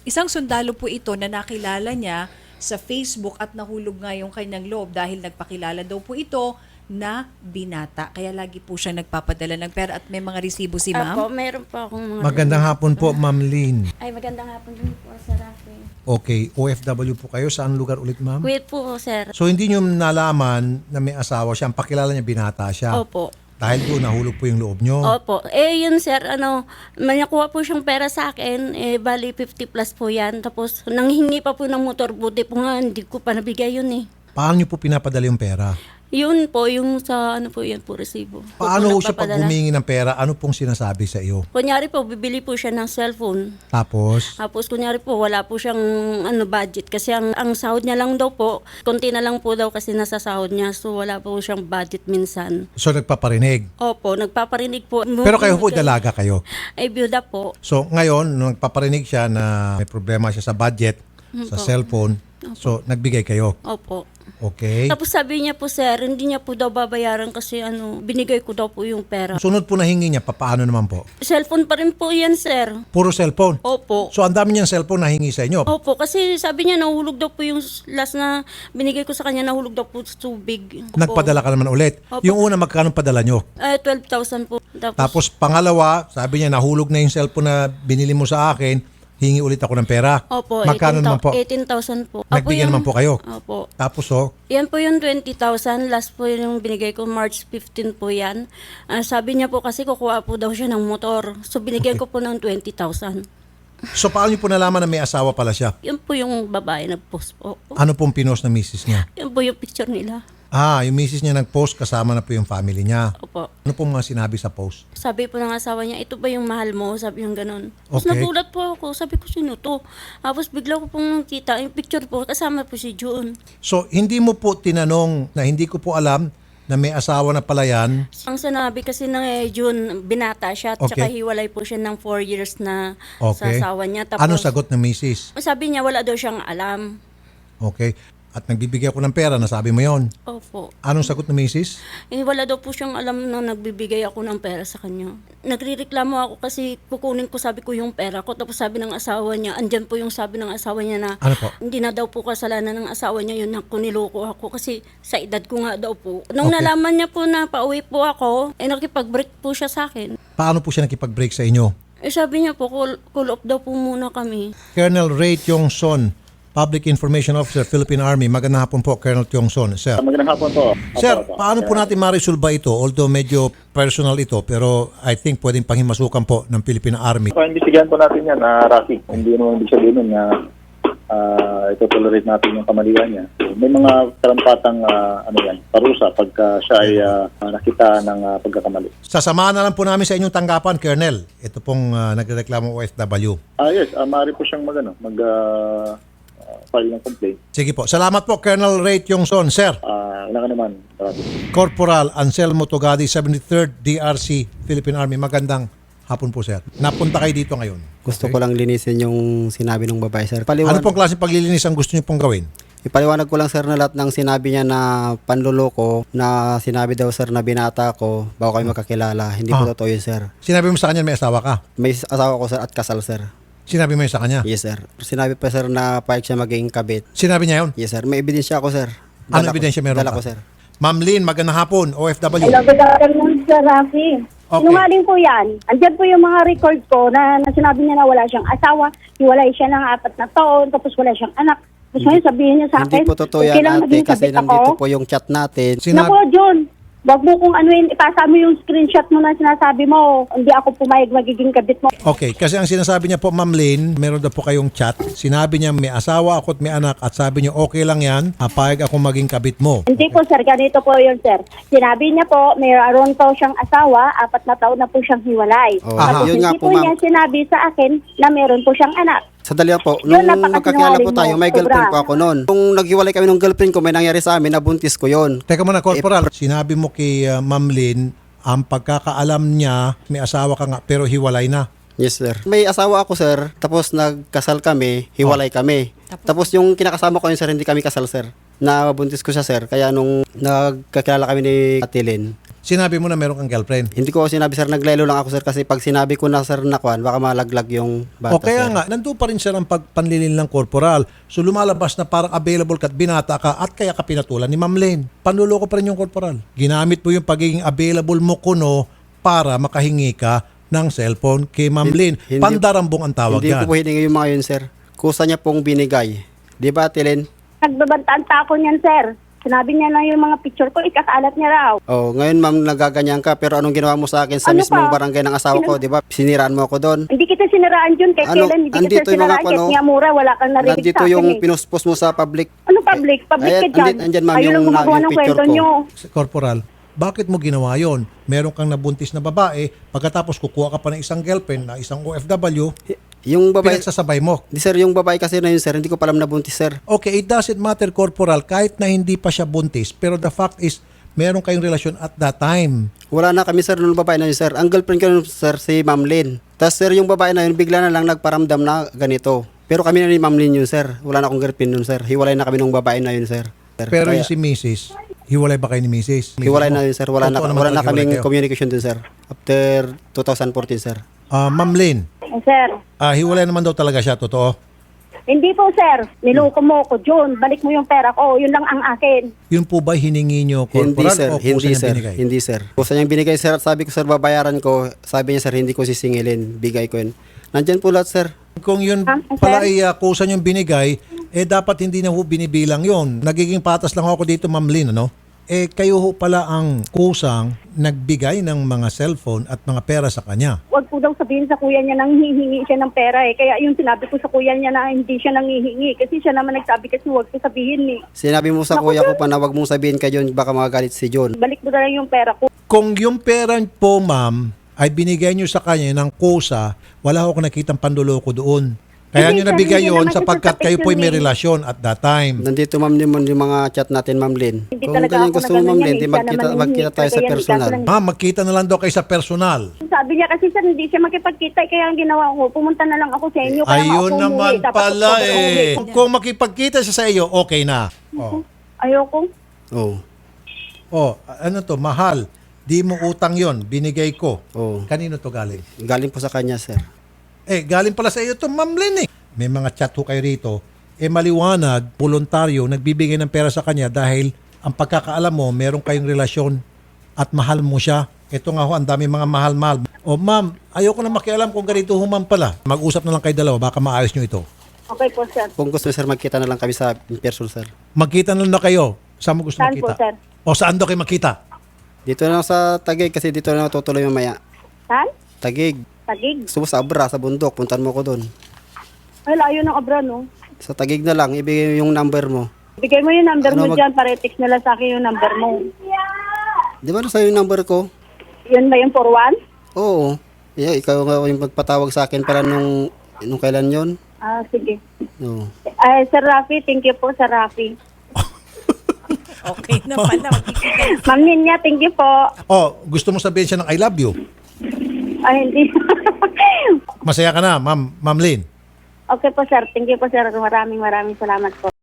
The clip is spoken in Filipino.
Isang sundalo po ito na nakilala niya sa Facebook at nahulog nga yung kanyang loob dahil nagpakilala daw po ito na binata. Kaya lagi po siya nagpapadala ng pera at may mga resibo si ma'am. Apo, meron po akong mga... Magandang hapon po, Ma'am Lynn. Ay, magandang hapon din po, Sir Rafi. Okay, OFW po kayo. Saan lugar ulit, ma'am? Kuwait po, sir. So, hindi nyo nalaman na may asawa siya. Ang pakilala niya, binata siya. Opo. Dahil doon, nahulog po yung loob nyo. Opo. Yun, sir, may nakuha po siyang pera sa akin. Bali, 50 plus po yan. Tapos, nanghingi pa po ng motor. Buti po nga, hindi ko pa nabigay yun eh. Paano nyo po pinapadala yung pera? Yun po, yung sa, yan po, resibo. Paano Po siya pag nagpapadala. humingi ng pera? Ano pong sinasabi sa iyo? Kunyari po, bibili po siya ng cellphone. Tapos, Tapos kunyari po, wala po siyang budget kasi ang sahod niya lang daw po, konti na lang po daw kasi nasa sahod niya. So wala po siyang budget minsan. so nagpaparinig. Opo, nagpaparinig po. Pero kayo po, dalaga kayo. Ay, byuda po. So, ngayon, nung nagpaparinig siya na may problema siya sa budget, sa cellphone, so nagbigay kayo. Opo. Okay? Tapos sabi niya po, sir, hindi niya po daw babayaran kasi binigay ko daw po yung pera. Sunod po na hingi niya, paano naman po? Cellphone pa rin po yan, sir. Puro cellphone. Opo. So, ang dami niyang cellphone na hingi sa inyo. Opo, kasi sabi niya nahulog daw po yung last na binigay ko sa kanya, nahulog daw po sa tubig. Opo. Nagpadala ka naman ulit. Opo. Yung una, magkano padala nyo? 12,000 po. Tapos pangalawa, sabi niya, nahulog na yung cellphone na binili mo sa akin, hingi ulit ako ng pera. Opo, Magkano naman po? 18,000 po. Nagbigyan naman po kayo. Opo. Tapos Yan po yung 20,000. Last po yung binigay ko, March 15 po yan. Sabi niya po kasi kukuha po daw siya ng motor. So binigyan ko po ng 20,000. so paano niyo po nalaman na may asawa pala siya? Yun po yung babae nag-post po. Ano pong pinost na misis niya? Yun po yung picture nila. Yung misis niya nag-post, kasama na po yung family niya. Opo. Ano pong mga sinabi sa post? Sabi po ng asawa niya, ito ba yung mahal mo? Sabi yung ganun. Tapos Okay. nagulat po ako. Sabi ko, sino to? Tapos bigla ko pong nakita, yung picture po, kasama po si June. So, hindi mo po tinanong na hindi ko po alam na may asawa na pala yan. Ang sinabi kasi ng June, binata siya at Okay. saka hiwalay po siya ng 4 years na sa Okay. asawa niya. Tapos, Ano sagot ng misis? sabi niya, wala daw siyang alam. Okay. At nagbibigay ako ng pera, nasabi mo yon. Opo. Anong sagot ng misis? Wala daw po siyang alam na nagbibigay ako ng pera sa kanya. Nagrireklamo ako kasi kukunin ko, sabi ko, yung pera ko. Tapos sabi ng asawa niya, andyan po yung sabi ng asawa niya na Ano po? hindi na daw po kasalanan ng asawa niya yun na kuniloko ako kasi sa edad ko nga daw po. Nung Okay. nalaman niya po na pauwi po ako, nakipag-break po siya sa akin. Paano po siya nakipag-break sa inyo? Sabi niya po, cool off daw po muna kami. Colonel Ray Tiongson, Public Information Officer, Philippine Army. Magandang hapon po, Colonel Tiongson. Sir, Magandang hapon po. Sir, paano po natin ma-resolve ito? Although medyo personal ito, pero I think pwedeng panghimasukan po ng Philippine Army. Imbestigahan po natin yan, Rafi. Hindi naman ibig sabihin nun na ito-tolerate natin yung kamalian niya. May mga karampatang parusa pagka siya ay nakita ng pagkakamali. Sasamahan na lang po namin sa inyong tanggapan, Colonel. Ito pong nagreklamo OFW. Yes, maaari po siyang file ng complaint. Sige po. Salamat po, Colonel Ray Tiongson. Sir, Wala ka naman, Rafi. Corporal Anselmo Togadi, 73rd DRC, Philippine Army. Magandang hapon po, sir. Napunta kayo dito ngayon. Gusto ko lang linisin yung sinabi ng babae, sir. Ano pong klase paglilinis ang gusto niyo pong gawin? Ipaliwanag ko lang, sir, na lahat ng sinabi niya na panluloko, na sinabi daw, sir, na binata ko bago kayo makakilala. Hindi po totoo yun, sir. Sinabi mo sa kanya may asawa ka? May asawa ko, sir, at kasal, sir. Sinabi mo yun sa kanya? Yes, sir. Sinabi pa, sir, na payag siya maging kabit. Sinabi niya yun? Yes, sir. May ebidensya ako, sir. Ano ebidensya meron Dala ka? ko, sir. Ma'am Lynn, magandang hapon, OFW. Hello, good afternoon, Sir Rafi. Okay. Sinungaling po yan. Andyan po yung mga record ko na sinabi niya na wala siyang asawa, hiwalay siya ng 4 na taon, tapos wala siyang anak. Tapos ngayon sabihin niya sa akin, Hindi po totoo yan, kailangan ate, maging kasi kabit nandito ako. po yung chat natin. Naku, John, wag mo kung ipasa mo yung screenshot mo na sinasabi mo, hindi ako pumayag magiging kabit mo. Okay, kasi ang sinasabi niya po, Ma'am Lynn, meron daw po kayong chat. Sinabi niya may asawa ako at may anak at sabi niya okay lang yan, payag ako maging kabit mo. Hindi po, sir, ganito po yun, sir. Sinabi niya po, mayroon po siyang asawa, 4 na taon na po siyang hiwalay. Oh, Tapos yun hindi nga po po, ma'am. niya sinabi sa akin na meron po siyang anak. Sandali lang po. Yun, Nung magkakilala po napakasinungaling tayo, mo, may girlfriend sobra. po ako noon. Nung naghiwalay kami ng girlfriend ko, may nangyari sa amin, nabuntis ko yon. Teka muna, Corporal, sinabi mo kay Ma'am Lynn, ang pagkakaalam niya, may asawa ka nga, pero hiwalay na. Yes, sir. May asawa ako, sir. Tapos nagkasal kami, hiwalay kami. Tapos yung kinakasama ko yun, sir, hindi kami kasal, sir. Nabuntis ko siya, sir. Kaya nung nagkakilala kami ni Ate Lynn, sinabi mo na meron kang girlfriend. Hindi ko sinabi sir, naglelo lang ako sir kasi pag sinabi ko na sir na kwan, baka malaglag yung O bata kaya sir. nga, nandun pa rin siya ng pagpanlilin ng corporal. So lumalabas na parang available ka at binata ka at kaya ka pinatulan ni Ma'am Lynn. Panluloko pa rin yung corporal. Ginamit mo yung pagiging available mo kuno para makahingi ka ng cellphone kay Ma'am Lynn. Hindi- Pandarambong ang tawag Hindi yan. ko po hiningi yung mga yun sir. Kusa niya pong binigay. Di ba Tilin? Nagbabantaan pa ako niyan, sir. Sinabi niya na yung mga picture ko, ikakalat niya raw. Oh, ngayon ma'am nagaganyan ka pero anong ginawa mo sa akin sa Ano mismong pa? barangay ng asawa ko, di ba? Siniraan mo ako doon. Hindi kita siniraan yun, kay Ano, kailan hindi andito kita yung mga siniraan, ano, kahit nga mura, wala kang narinig Nandito sa akin yung eh. pinuspos mo sa public. Ano public? Public Ayan, ka dyan. andyan, ma'am, Ayaw yung lang gumagawa yung ng picture kwento ko. nyo. Corporal, bakit mo ginawa yon? Meron kang nabuntis na babae, pagkatapos kukuha ka pa ng isang girlfriend na isang OFW, Yung babae, pinagsasabay mo. di sir, yung babae kasi na yun sir, hindi ko palam na buntis sir. Okay, it doesn't matter, Corporal, kahit na hindi pa siya buntis, pero the fact is, meron kayong relasyon at that time. Wala na kami sir nung babae na yun sir. Ang girlfriend ko nun, sir si Ma'am Lynn. Tapos sir yung babae na yun bigla na lang nagparamdam na ganito. Pero kami na ni Ma'am Lynn yun sir. Wala na akong girlfriend nun sir. Hiwalay na kami nung babae na yun sir. Pero Kaya- yung si Mrs., hiwalay ba kayo ni Mrs.? hiwalay na yun sir. Wala na, Totoo naman wala na hiwalay kaming kayo. communication dun sir. After 2014 sir. Ma'am Lynn, Sir, hiwalay naman daw talaga siya, totoo? hindi po, sir. Niloko mo ko, June. Balik mo yung pera ko. Yun lang ang akin. Yun po ba hiningi nyo, Hindi Corporal, sir, o kusa hindi niyang sir, binigay? hindi sir. Kusa niyang binigay sir at sabi ko sir babayaran ko. Sabi niya sir hindi ko sisingilin, bigay ko yun. Nandyan po lahat sir. Kung yun Sir? pala ay kusa niyong binigay, dapat hindi na ho binibilang yun. Nagiging patas lang ako dito, Ma'am Lynn, ano? Kayo ho pala ang kusang nagbigay ng mga cellphone at mga pera sa kanya. Huwag po daw sabihin sa kuya niya nang hihingi siya ng pera eh. Kaya yung sinabi ko sa kuya niya na hindi siya nanghihingi. Kasi siya naman nagsabi kasi huwag ko sabihin eh. Sinabi mo sa kuya ko pa na wag mong sabihin kay John, baka magagalit si John. Balik mo na lang yung pera ko. Kung yung pera po, ma'am, ay binigay nyo sa kanya ng kusa, wala ho akong nakitang panduloko doon. Kaya Hindi, nyo sir, nabigay hindi yon naman siya sapagkat kayo po yun may eh. relasyon at that time. Nandito ma'am din yung mga chat natin Ma'am Lynn. Hindi Kung talaga ganyan ako gusto mo Ma'am nagano Lynn, yan, di siya magkita, naman magkita tayo sa kaya hindi personal. ka lang- Ma'am, magkita na lang daw kayo sa personal. Sabi niya kasi sir, hindi siya makipagkita. Kaya ang ginawa ko, pumunta na lang ako sa inyo. Kaya Ayun ako naman umuwi. Dapat pala ako umuwi. Kung makipagkita siya sa iyo, okay na. Ayoko. Oh. Ano to, mahal. Di mo utang yon, binigay ko. Oh. Kanino to galing? Galing po sa kanya sir. Galing pala sa iyo to, Ma'am Lynn eh. May mga chat ho kayo rito. Maliwanag, voluntaryo, nagbibigay ng pera sa kanya dahil ang pagkakaalam mo, meron kayong relasyon at mahal mo siya. Ito nga ho, ang dami mga mahal-mahal. Ma'am, ayoko na makialam kung ganito ho, ma'am pala. Mag-usap na lang kayo dalawa, baka maayos nyo ito. Okay po sir. Kung gusto sir, magkita na lang kami sa in person sir. Magkita na lang na kayo. Saan mo gusto Saan po, makita? sir? O saan daw kayo makita? Dito na lang sa Taguig kasi dito na tutuloy mamaya. Saan? Taguig. Tagig. Gusto mo sa Abra, sa bundok, puntan mo ko doon. Ay, layo ng abra no. Sa Taguig na lang, ibigay yung number mo. Bigay mo yung number Ano, mo dyan para i-text na lang sa akin yung number mo. Di ba nasa yung number ko? Yun ba yung 41? Oo. Yeah, ikaw nga yung magpatawag sa akin para nung kailan yon. Sige. Oo. Ay, Sir Rafi, thank you po, Sir Rafi. Okay na pala. Magkikita. Ma'am Ninya, thank you po. Gusto mo sabihin siya ng I love you? Ay, hindi. Masaya ka na, Ma'am Lynn? Okay po, sir. Thank you po, sir. Maraming salamat po.